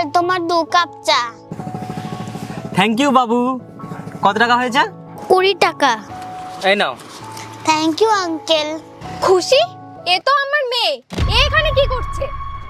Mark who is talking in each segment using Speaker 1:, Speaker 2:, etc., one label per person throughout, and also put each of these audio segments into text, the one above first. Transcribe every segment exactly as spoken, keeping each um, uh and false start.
Speaker 1: তোমার দু কাপ চা।
Speaker 2: থ্যাংক ইউ বাবু। কত টাকা হয়েছে?
Speaker 1: কুড়ি টাকা।
Speaker 2: এই নাও।
Speaker 1: Thank you uncle.
Speaker 3: খুশি, এ তো আমার মেয়ে, এ এখানে কি করছে?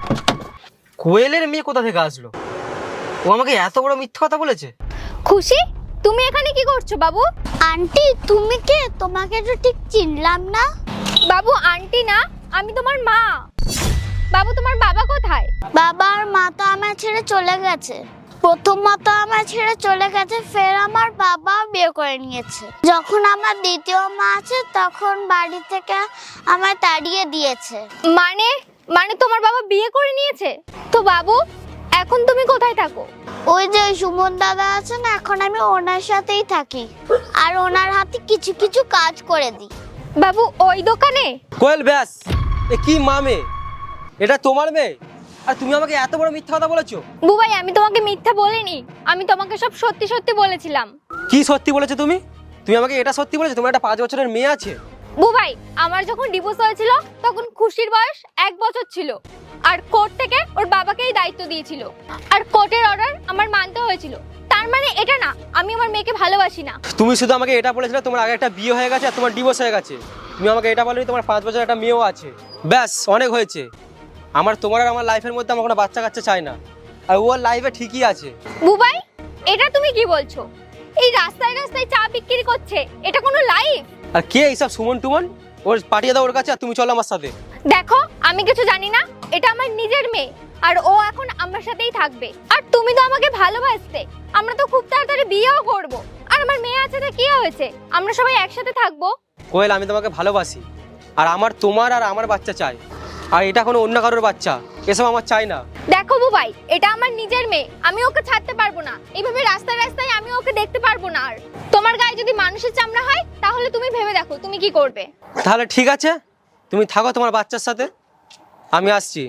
Speaker 2: কোয়েলের মেয়ে কোথা থেকে আসলো? ও আমাকে এত বড় মিথ্যা কথা বলেছে।
Speaker 3: খুশি, তুমি এখানে কি করছো বাবু?
Speaker 1: আন্টি তুমি কে? তোমাকে তো ঠিক চিনলাম না।
Speaker 3: বাবু আন্টি না, আমি তোমার মা। বাবু তোমার বাবা কোথায়?
Speaker 1: বাবা আর মা তো আমায় ছেড়ে চলে গেছে। প্রথম মা তো আমায় ছেড়ে চলে গেছে, ফের আমার বাবা বিয়ে করে নিয়েছে। যখন আমার দ্বিতীয় মা আছে তখন বাড়ি থেকে আমায় তাড়িয়ে দিয়েছে।
Speaker 3: মানে মানে তোমার বাবা বিয়ে করে নিয়েছে? তো বাবু এখন তুমি কোথায় থাকো?
Speaker 1: ওই যে সুমন দাদা আছে না, এখন আমি ওনার সাথেই থাকি আর ওনার হাতে কিছু কিছু কাজ করে দিই।
Speaker 3: বাবু ওই দোকানে?
Speaker 2: কোয়েল ব্যাস, এ কি মা মেয়ে? এটা তোমার মেয়ে আর তুমি আমাকে এত বড় মিথ্যা কথা বলেছো?
Speaker 3: বুবাই আমি তোমাকে মিথ্যা বলিনি, আমি তোমাকে সব সত্যি সত্যি বলেছিলাম।
Speaker 2: কি সত্যি বলেছো তুমি? তুমি আমাকে এটা সত্যি বলেছো তোমার একটা পাঁচ বছরের মেয়ে আছে?
Speaker 3: বুবাই আমার যখন ডিভোর্স হয়েছিল তখন খুশির বয়স এক বছর ছিল, আর কোর্ট থেকে ওর বাবাকেই দায়িত্ব দিয়েছিল, আর কোর্টের অর্ডার আমার মানতে হয়েছিল। তার মানে এটা না আমি আমার মেয়েকে ভালোবাসি না।
Speaker 2: তুমি শুধু আমাকে এটা বলেছিলে তোমার আগে একটা বিয়ে হয়ে গেছে আর তোমার ডিভোর্স হয়ে গেছে। তুমি আমাকে এটা বলনি তোমার পাঁচ বছর একটা মেয়েও আছে। ব্যাস অনেক হয়েছে। আমার তোমার আর আমার লাইফের মধ্যে আমার কোনো বাচ্চা কাচ্চা চাই না। আর ওর লাইফে ঠিকই আছে।
Speaker 3: বুবাই এটা তুমি কি বলছো? এই রাস্তায় রাস্তায় চা বিক্রি করছে, এটা কোনো লাইফ?
Speaker 2: আর কে এইসব সুমন টুমন? ওর পাঠিয়ে দাও ওর কাছে আর তুমি চলো আমার সাথে।
Speaker 3: দেখো আমি কিছু জানি না, এটা আমার নিজের মেয়ে আর ও এখন আমার সাথেই থাকবে। আর তুমি তো আমাকে ভালোবাসতে, আমরা তো খুব তাড়াতাড়ি বিয়েও করব। আর আমার মেয়ে আছে তো কি হয়েছে, আমরা সবাই একসাথে থাকবো।
Speaker 2: কোয়েল আমি তোমাকে ভালোবাসি আর আমার তোমার আর আমার বাচ্চা চাই। আর এটা কোনো অন্য কারোর বাচ্চা, এসব আমার চাই না।
Speaker 3: দেখো বুবাই এটা আমার নিজের মেয়ে, আমি ওকে ছাড়তে পারবো না। এইভাবে রাস্তায় রাস্তায় আমি ওকে দেখতে পারবো না। আর তোমার গায়ে যদি মানুষের চামড়া হয় তাহলে তুমি ভেবে দেখো তুমি কি করবে।
Speaker 2: তাহলে ঠিক আছে, তুমি থাকো তোমার বাচ্চার সাথে, আমি আসছি।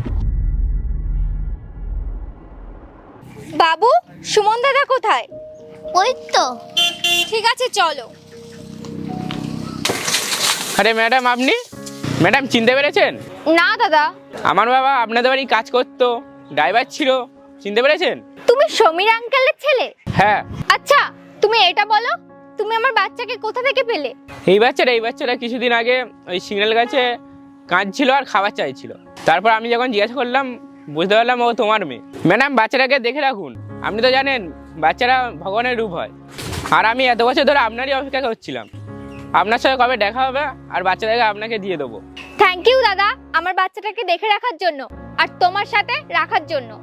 Speaker 3: বাবু সুমন দাদা কোথায়?
Speaker 1: ওই তো।
Speaker 3: ঠিক আছে চলো।
Speaker 4: আরে ম্যাডাম, আপনি ম্যাডাম চিনতে পেরেছেন?
Speaker 3: না দাদা।
Speaker 4: আমার বাবা আপনাদের বাড়ি কাজ করতো, ড্রাইভার ছিল, চিনতে পেরেছেন?
Speaker 3: তুমি সমীর আঙ্কেলের ছেলে?
Speaker 4: হ্যাঁ।
Speaker 3: আচ্ছা তুমি এটা বলো, তুমি আমার বাচ্চাকে কোথা থেকে পেলে?
Speaker 4: এই বাচ্চাটা এই বাচ্চাটা কিছুদিন আগে ওই সিগন্যাল গাছে কাঁদছিল আর খাবার চাইছিল। তারপর আমি যখন জিজ্ঞাসা করলাম বুঝতে পারলাম ও তোমার মেয়ে। ম্যাডাম বাচ্চাটাকে দেখে রাখুন, আপনি তো জানেন বাচ্চারা ভগবানের রূপ হয়। আর আমি এত বছর ধরে আপনারই অপেক্ষা করছিলাম, আপনার সাথে কবে দেখা হবে আর বাচ্চাটাকে আপনাকে দিয়ে দেবো।
Speaker 3: থ্যাংক ইউ দাদা আমার বাচ্চাটাকে দেখে রাখার জন্য আর তোমার সাথে রাখার জন্য।